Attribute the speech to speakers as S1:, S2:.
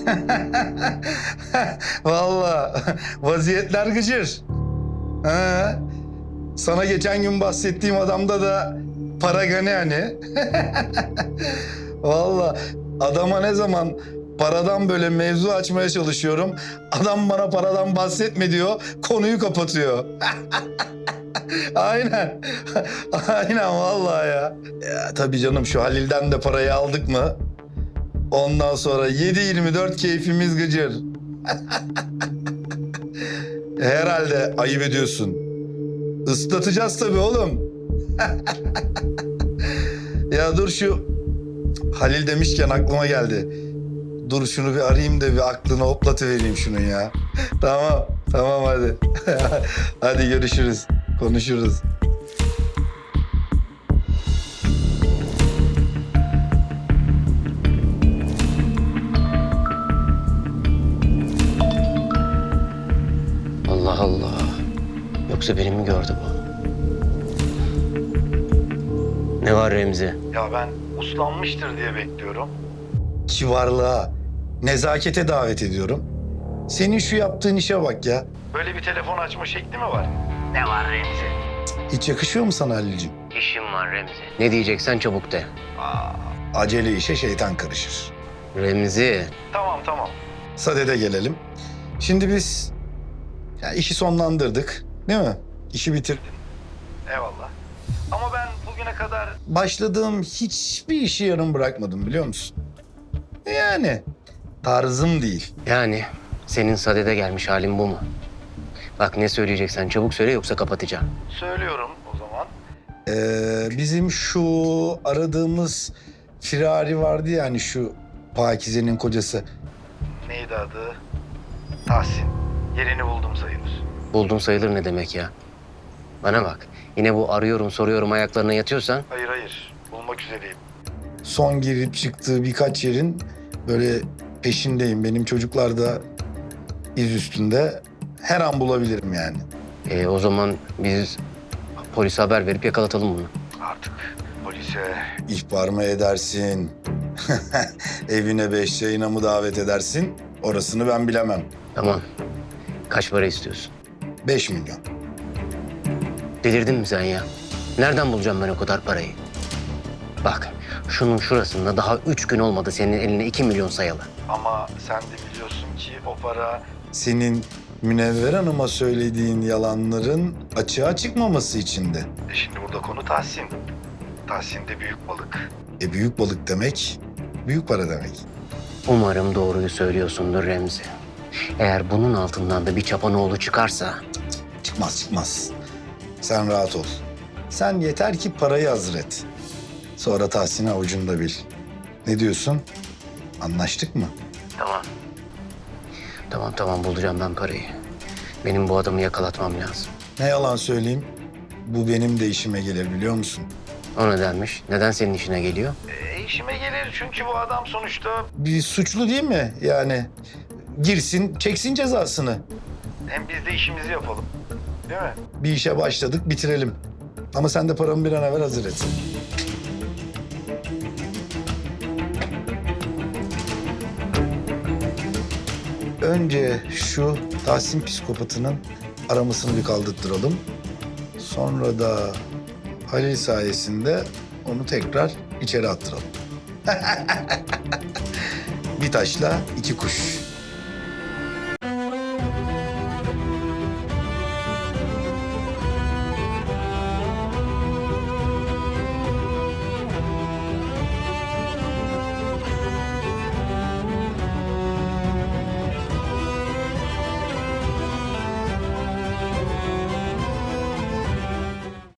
S1: Vallahi vaziyetler gıcır. Ha. Sana geçen gün bahsettiğim adamda da para gani hani. Vallahi adama ne zaman paradan böyle mevzu açmaya çalışıyorum, adam bana paradan bahsetme diyor, konuyu kapatıyor. Aynen. Aynen vallahi ya. Ya tabii canım, şu Halil'den de parayı aldık mı? Ondan sonra 7/24 keyfimiz gıcır. Herhalde ayıp ediyorsun. Islatacağız tabii oğlum. Ya dur, şu Halil demişken aklıma geldi. Dur şunu bir arayayım da bir aklını hoplatıvereyim şunun ya. Tamam, tamam hadi. Hadi görüşürüz, konuşuruz.
S2: Allah Allah. Yoksa beni mi gördü bu? Ne var Remzi?
S1: Ya ben uslanmıştır diye bekliyorum. Kivarlığa, nezakete davet ediyorum. Senin şu yaptığın işe bak ya. Böyle bir telefon açma şekli mi var?
S2: Ne var Remzi?
S1: Hiç yakışıyor mu sana Halil'ciğim?
S2: İşim var Remzi. Ne diyeceksen çabuk de.
S1: Acele işe şeytan karışır.
S2: Remzi.
S1: Tamam, tamam. Sadede gelelim. Şimdi biz ya işi sonlandırdık, değil mi? İşi bitirdin. Eyvallah. Ama ben bugüne kadar başladığım hiçbir işi yarım bırakmadım, biliyor musun? Yani tarzım değil.
S2: Yani senin sadede gelmiş halin bu mu? Bak ne söyleyeceksen çabuk söyle yoksa kapatacağım.
S1: Söylüyorum o zaman. Bizim şu aradığımız firari vardı ya, hani şu Pakize'nin kocası. Neydi adı? Tahsin. Yerini buldum sayılır.
S2: Buldum sayılır ne demek ya? Bana bak. Yine bu arıyorum soruyorum ayaklarına yatıyorsan.
S1: Hayır, hayır. Bulmak üzereyim. Son girip çıktığı birkaç yerin böyle peşindeyim. Benim çocuklar da iz üstünde. Her an bulabilirim yani.
S2: O zaman biz polise haber verip yakalatalım bunu.
S1: Artık polise ihbar mı edersin? Evine 5 yayına mı davet edersin? Orasını ben bilemem.
S2: Tamam. Kaç para istiyorsun?
S1: 5 milyon.
S2: Delirdin mi sen ya? Nereden bulacağım ben o kadar parayı? Bak, şunun şurasında daha 3 gün olmadı senin eline 2 milyon sayalı.
S1: Ama sen de biliyorsun ki o para... Senin Münevver Hanım'a söylediğin yalanların açığa çıkmaması içindi. Şimdi burada konu Tahsin. Tahsin de büyük balık. Büyük balık demek, büyük para demek.
S2: Umarım doğruyu söylüyorsundur Remzi. Eğer bunun altından da bir çapanoğlu çıkarsa...
S1: Çıkmaz, çıkmaz. Sen rahat ol. Sen yeter ki parayı hazır et. Sonra Tahsin'i avucunda bil. Ne diyorsun? Anlaştık mı?
S2: Tamam. Tamam bulacağım ben parayı. Benim bu adamı yakalatmam lazım.
S1: Ne yalan söyleyeyim, bu benim de işime gelir, biliyor musun?
S2: O nedenmiş? Neden senin işine geliyor?
S1: İşime gelir çünkü bu adam sonuçta... Bir suçlu değil mi? Yani girsin, çeksin cezasını. Hem biz de işimizi yapalım. Değil mi? Bir işe başladık, bitirelim. Ama sen de paramı bir an evvel hazır et. Önce şu Tahsin psikopatının aramasını bir kaldırttıralım. Sonra da Halil sayesinde onu tekrar içeri attıralım. Bir taşla iki kuş.